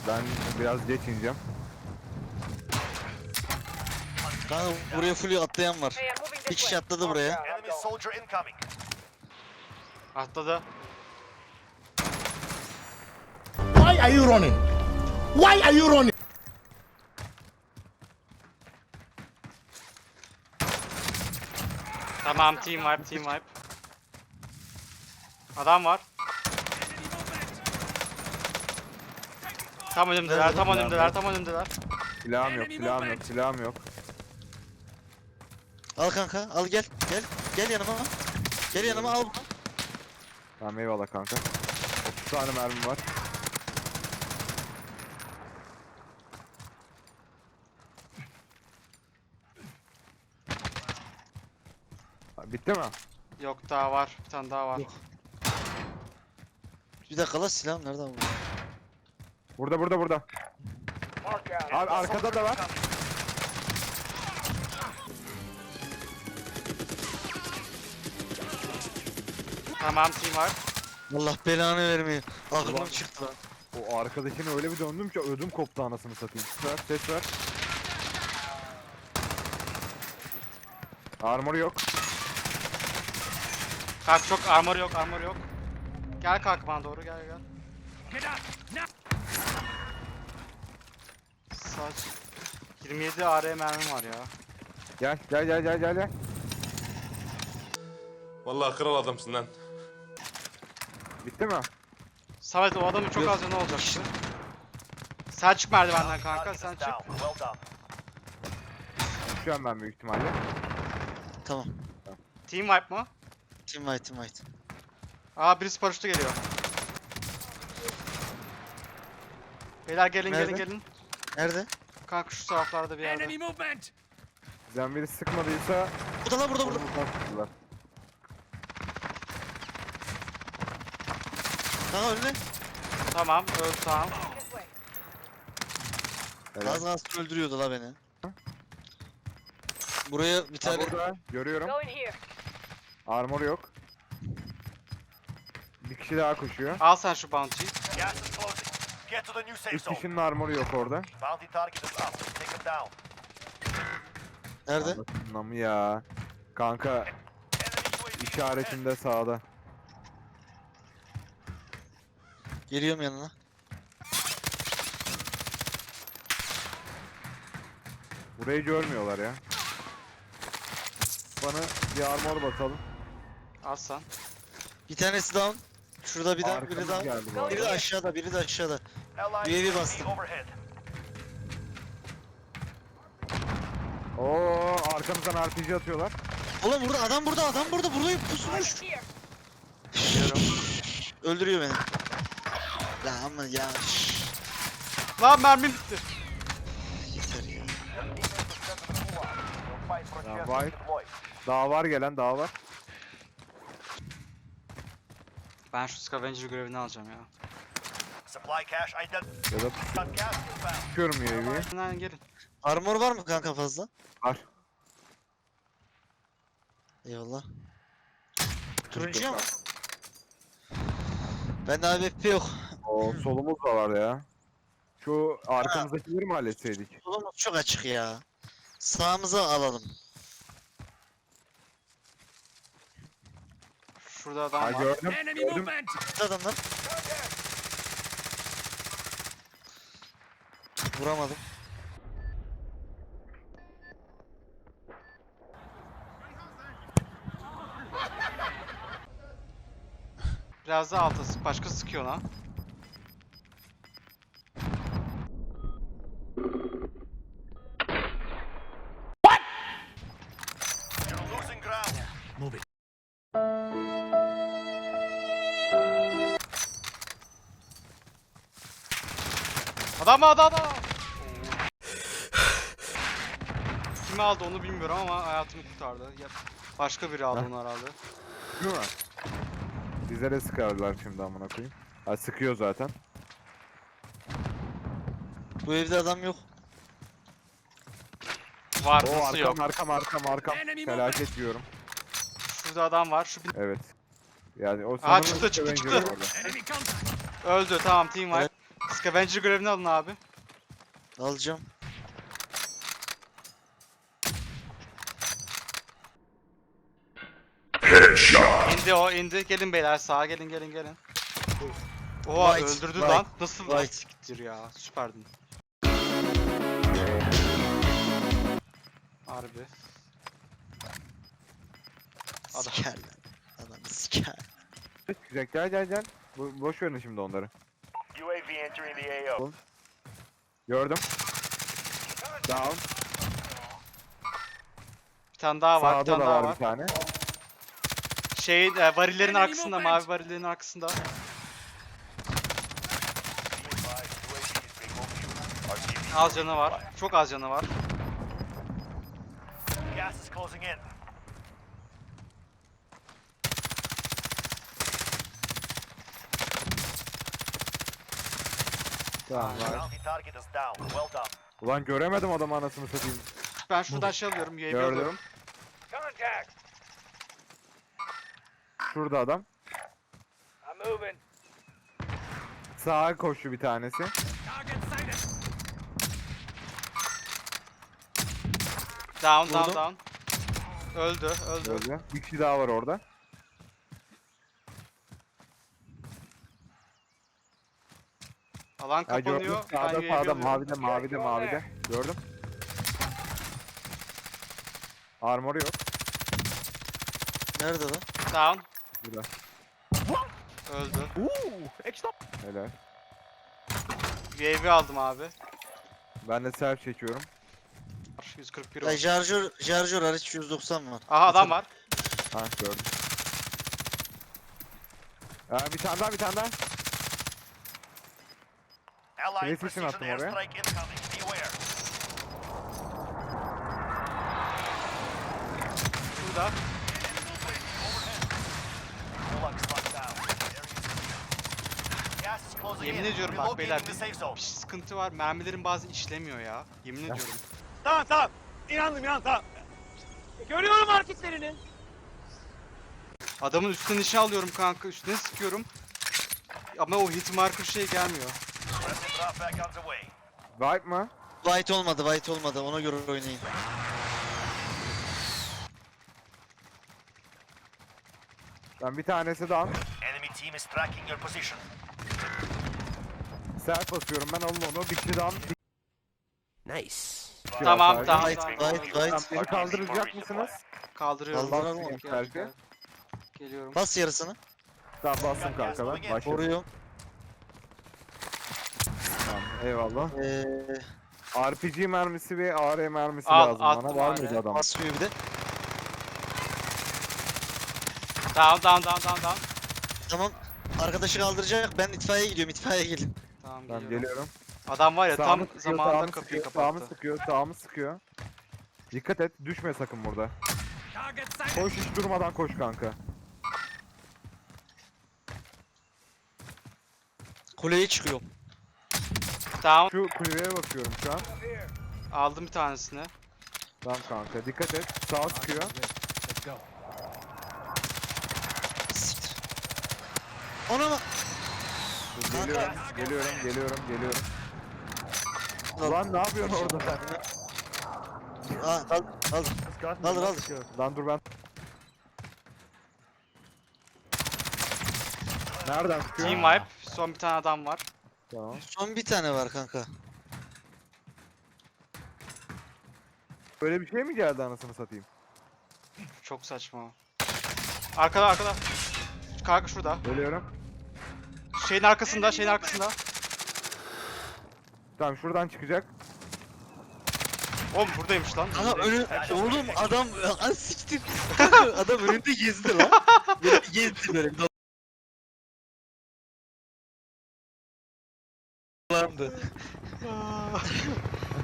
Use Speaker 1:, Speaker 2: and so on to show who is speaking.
Speaker 1: Ben biraz geç ineceğim.
Speaker 2: Kanka buraya full atlayan var.
Speaker 3: Hey, I'm moving
Speaker 2: Bir
Speaker 3: this
Speaker 2: kişi
Speaker 3: way.
Speaker 2: atladı buraya.
Speaker 4: Enemy soldier incoming.
Speaker 5: Atladı.
Speaker 6: Why are you running? Why are you running?
Speaker 5: Tamam, team wipe, team wipe. Adam var. Tam önümdeler, tam önümdeler, tam önümdeler.
Speaker 1: Silahım yok, silahım yok, silahım yok.
Speaker 2: Al kanka, al gel. Gel. Gel yanıma. Gel yanıma al.
Speaker 1: Tamam eyvallah kanka. 30 tane mermi var. Bitti mi?
Speaker 5: Yok daha var, bir tane daha var.
Speaker 2: Yok. Bir dakika la silahım nereden bu?
Speaker 1: Burada. Abi arkada da var.
Speaker 5: Tamam, team wipe.
Speaker 2: Allah belanı vermiyor. Aklım çıktı lan.
Speaker 1: O arkadakine öyle bir döndüm ki ödüm koptu anasını satayım. Ses ver. Armor yok.
Speaker 5: Kanka çok armor yok, armor yok. Gel kanka bana doğru, gel. Saç. 27 AR mermim var ya.
Speaker 1: Gel.
Speaker 7: Vallahi kral adamsın lan.
Speaker 1: Bitti mi?
Speaker 5: Samet o adamın çok az canı olacaktı. Sen çık merdivenden kanka,
Speaker 4: Target
Speaker 5: sen
Speaker 4: is
Speaker 5: çık.
Speaker 4: down. Well done.
Speaker 1: Şu an ben büyük ihtimalle.
Speaker 2: Tamam.
Speaker 5: Team wipe mı?
Speaker 2: Team white.
Speaker 5: Aa birisi paraşütü geliyor. Beyler gelin
Speaker 2: Nerede?
Speaker 5: gelin.
Speaker 2: Nerede?
Speaker 5: Kanka şu taraflarda bir yerde.
Speaker 1: Bizden biri sıkmadıysa
Speaker 2: Burada lan burada.
Speaker 1: oradan sıktılar.
Speaker 2: Kanka önüne.
Speaker 5: Tamam öldü tamam.
Speaker 3: This way.
Speaker 1: Helal.
Speaker 2: Az kalsın öldürüyordu la beni. Buraya bir
Speaker 1: Ha,
Speaker 2: tane
Speaker 1: burada görüyorum.
Speaker 3: Go in here.
Speaker 1: Armor yok. Bir kişi daha koşuyor.
Speaker 5: Al sen şu bounty'yi.
Speaker 4: Gas is closing. Get to the new safe
Speaker 1: 3
Speaker 4: zone.
Speaker 1: kişinin armoru yok orada.
Speaker 4: Bounty target is up. Take him down.
Speaker 2: nerede?
Speaker 1: Anasını mı ya? Kanka
Speaker 4: Enemy UAV
Speaker 1: işaretinde sağda.
Speaker 2: Geliyorum yanına.
Speaker 1: Burayı görmüyorlar ya. Bana bir armor basalım.
Speaker 5: Al sen.
Speaker 2: Bir tanesi down. Şurada bir daha, biri
Speaker 1: Arkamız
Speaker 2: down.
Speaker 1: geldi bu arada.
Speaker 2: Biri de aşağıda, biri de aşağıda.
Speaker 4: Allied
Speaker 2: UAV
Speaker 4: UAV
Speaker 2: bastım.
Speaker 4: overhead.
Speaker 1: Oo arkamızdan RPG atıyorlar.
Speaker 2: Oğlum burada adam burada buradayım pusmuş.
Speaker 3: Here.
Speaker 5: Geliyorum.
Speaker 2: Öldürüyor beni. La ama ya.
Speaker 5: Lan mermim bitti.
Speaker 2: Yeter ya.
Speaker 4: We'll fight for a
Speaker 1: Ya,
Speaker 4: chance
Speaker 1: vay.
Speaker 4: to deploy.
Speaker 1: Daha var gelen daha var.
Speaker 5: Ben şu scavenger görevini alacağım ya.
Speaker 4: Supply cache identified.
Speaker 1: Ya da
Speaker 4: Got gas inbound.
Speaker 1: tutuyorum UAV'yi.
Speaker 5: Lan gelin.
Speaker 2: Armor var mı kanka fazla?
Speaker 1: Var.
Speaker 2: Eyvallah. Turuncu ama. Bende AWP yok.
Speaker 1: O solumuz da var ya. Şu arkamızdakileri mi halletseydik?
Speaker 2: Solumuz çok açık ya. Sağımıza alalım.
Speaker 5: Şurada adam
Speaker 1: Ha
Speaker 5: var.
Speaker 1: gördüm. Gördüm.
Speaker 2: Burada adamlar. Vuramadım.
Speaker 5: Biraz daha alta sık. Başka sıkıyor lan.
Speaker 4: You're losing ground.
Speaker 5: Adam. Kimi aldı onu bilmiyorum ama hayatımı kurtardı. Ya, başka biri aldı onu herhalde.
Speaker 1: Değil mi? Bize de sıkarlar şimdi amına koyayım. Ha sıkıyor zaten.
Speaker 2: Bu evde adam yok.
Speaker 5: Var
Speaker 1: O
Speaker 5: nasıl yok?
Speaker 1: arkam. Felaket diyorum.
Speaker 5: Şurada adam var. Şu bir...
Speaker 1: Evet. Yani o
Speaker 5: Aa,
Speaker 1: sanırım
Speaker 5: çıktı.
Speaker 1: Scavenger orada.
Speaker 5: Öldü tamam team wipe. Scavenger görevini alın abi.
Speaker 2: Alacağım.
Speaker 5: İndi o indi. Gelin beyler sağa gelin. Oha
Speaker 2: White,
Speaker 5: öldürdü
Speaker 2: white,
Speaker 5: lan. Nasıl
Speaker 2: white.
Speaker 5: siktir ya. Süperdin. Harbi. Adam.
Speaker 2: Siker lan. Adamı siker.
Speaker 1: Çıkacak gel. Boş verin şimdi onları.
Speaker 4: UAV entering the AO.
Speaker 1: Gördüm. Down.
Speaker 5: Bir tane daha var. Bir
Speaker 1: Sağda
Speaker 5: tane
Speaker 1: da
Speaker 5: daha
Speaker 1: var
Speaker 5: var.
Speaker 1: bir tane.
Speaker 5: Varillerin arkasında. Mavi varillerin arkasında.
Speaker 4: Be advised, UAV is being overviewed. RTV.
Speaker 5: Az canı var. Çok az canı var.
Speaker 4: Gas is closing in.
Speaker 1: Tamam var.
Speaker 4: Bounty target is down. Well done.
Speaker 1: Ulan göremedim adamı anasını satayım.
Speaker 5: Ben şuradan şey alıyorum. UAV
Speaker 1: Gördüm.
Speaker 5: alıyorum.
Speaker 4: Contact.
Speaker 1: Şurada adam.
Speaker 4: I'm moving.
Speaker 1: Sağa koştu bir tanesi.
Speaker 4: Target sighted.
Speaker 5: Down.
Speaker 2: Vurdum.
Speaker 5: Öldü.
Speaker 1: Böyle. Bir kişi daha var orada.
Speaker 5: Alan
Speaker 1: Ha, gördüm.
Speaker 5: kapanıyor. Ben
Speaker 1: Sağda
Speaker 5: UAV
Speaker 1: sağda
Speaker 5: alıyorum.
Speaker 1: mavide. Gördüm. Armoru yok.
Speaker 2: Nerede lan?
Speaker 5: Down.
Speaker 1: Burada.
Speaker 5: Öldü.
Speaker 1: Helal.
Speaker 5: UAV aldım abi.
Speaker 1: Ben de self çekiyorum.
Speaker 5: 141
Speaker 2: Ay
Speaker 5: oldu.
Speaker 2: şarjör hariç 190 var.
Speaker 5: Aha adam var.
Speaker 1: Ha gördüm. Bir tane daha.
Speaker 4: Allied
Speaker 1: Precision
Speaker 4: precision
Speaker 1: attım oraya.
Speaker 4: airstrike incoming. Beware.
Speaker 5: Burada.
Speaker 4: Gulak struck down. Area is clear. Gas is closing
Speaker 5: Yemin
Speaker 4: in.
Speaker 5: ediyorum bak
Speaker 4: Relocating
Speaker 5: beyler
Speaker 4: the
Speaker 5: bir
Speaker 4: safe zone.
Speaker 5: sıkıntı var. Mermilerin bazı işlemiyor ya. Yemin ediyorum.
Speaker 3: Tamam. İnandım. Görüyorum hareketlerini.
Speaker 5: Adamın üstüne nişan alıyorum kanka. Üstüne sıkıyorum. Ama o hit marker şey gelmiyor.
Speaker 4: Friendly drop back on the way.
Speaker 1: Vibe mı?
Speaker 2: White olmadı. Ona göre oynayın.
Speaker 1: Ben bir tanesi down.
Speaker 4: Enemy team is tracking your position.
Speaker 1: Self basıyorum ben alın onu. Bir kişi down.
Speaker 5: Tamam
Speaker 1: sadece.
Speaker 5: tamam.
Speaker 2: White,
Speaker 5: tamam.
Speaker 2: white.
Speaker 1: Beni kaldıracak mısınız?
Speaker 5: Kaldırıyorum.
Speaker 2: Kaldıralım
Speaker 1: onu.
Speaker 5: Gel,
Speaker 1: Belki.
Speaker 5: gel. Geliyorum.
Speaker 2: Bas yarısını.
Speaker 1: Tamam bastım kanka ben. Başladım.
Speaker 2: Koruyorum.
Speaker 1: Tamam, eyvallah. RPG mermisi ve AR mermisi
Speaker 5: Al,
Speaker 1: lazım
Speaker 5: attım
Speaker 1: bana. Var
Speaker 5: AR.
Speaker 1: mıydı adam?
Speaker 2: Basmıyor bir de.
Speaker 5: Down.
Speaker 2: Tamam. Arkadaşı kaldıracak. Ben itfaiyeye gidiyorum. İtfaiye gelin.
Speaker 5: Tamam
Speaker 1: Tamam
Speaker 5: geliyorum.
Speaker 1: geliyorum.
Speaker 5: Adam var ya tam
Speaker 1: Sağımı sıkıyor,
Speaker 5: zamanında
Speaker 1: sağımı
Speaker 5: kapıyı
Speaker 1: sıkıyor, sağımı
Speaker 5: kapattı.
Speaker 1: sağımı sıkıyor. Dikkat et, düşme sakın burada. Koş hiç durmadan koş kanka.
Speaker 2: Kuleye çıkıyorum.
Speaker 5: Tamam.
Speaker 1: Şu kulübeye bakıyorum şu an.
Speaker 5: Aldım bir tanesini.
Speaker 1: Tamam kanka, dikkat et. Sağa sıkıyor.
Speaker 2: Siktir. Ona mı?
Speaker 1: Geliyorum. Ulan ne yapıyorsun orada sen?
Speaker 2: Aa, al.
Speaker 1: Lan dur ben. Nereden sıkıyor?
Speaker 5: Team wipe. Son bir tane adam var.
Speaker 1: Tamam.
Speaker 2: Son bir tane var kanka.
Speaker 1: Böyle bir şey mi geldi anasını satayım?
Speaker 5: Çok saçma. Arkada. Kanka şurada.
Speaker 1: Geliyorum.
Speaker 5: Şeyin arkasında.
Speaker 1: Tamam şuradan çıkacak.
Speaker 5: Oğlum buradaymış lan.
Speaker 2: Aha oğlum adam az siktir. Kanka adam önünde gezdi lan. Böyle gezdi böyle. Dolandı.